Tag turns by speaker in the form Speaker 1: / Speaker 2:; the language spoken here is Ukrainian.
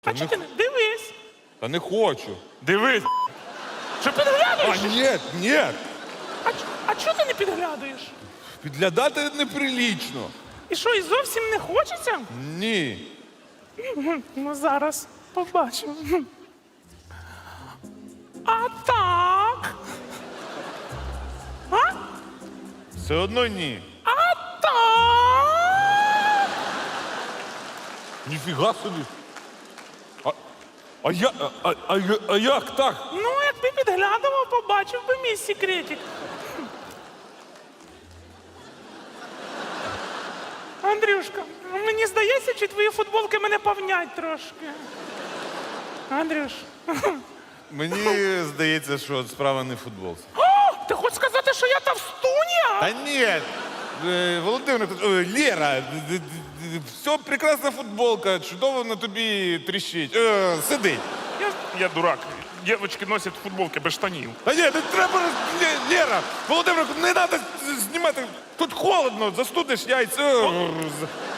Speaker 1: А чого ти не... Дивись.
Speaker 2: Та не хочу.
Speaker 1: Дивись. Що підглядуєш?
Speaker 2: Ні.
Speaker 1: А чого ти не підглядуєш?
Speaker 2: Підглядати неприлічно.
Speaker 1: І що, і зовсім не хочеться?
Speaker 2: Ні.
Speaker 1: Ну, зараз побачимо. А так? А?
Speaker 2: Все одно ні.
Speaker 1: А так?
Speaker 2: Ніфіга собі. А як так?
Speaker 1: Ну, якби підглядував, побачив би мій секретик. Андрюшка, мені здається, чи твої футболки мене повнять трошки. Андрюш.
Speaker 2: Мені здається, що справа не в футболці.
Speaker 1: О, ти хочеш сказати, що я товстуня?
Speaker 2: Та ні. Володимир, Лєра, все прекрасна футболка, чудово на тобі тріщить. Сидить.
Speaker 1: Я дурак. Дівчатки носять футболки без штанів.
Speaker 2: Та ні, не треба, Лєра, Володимир, не треба знімати. Тут холодно, застудиш яйця.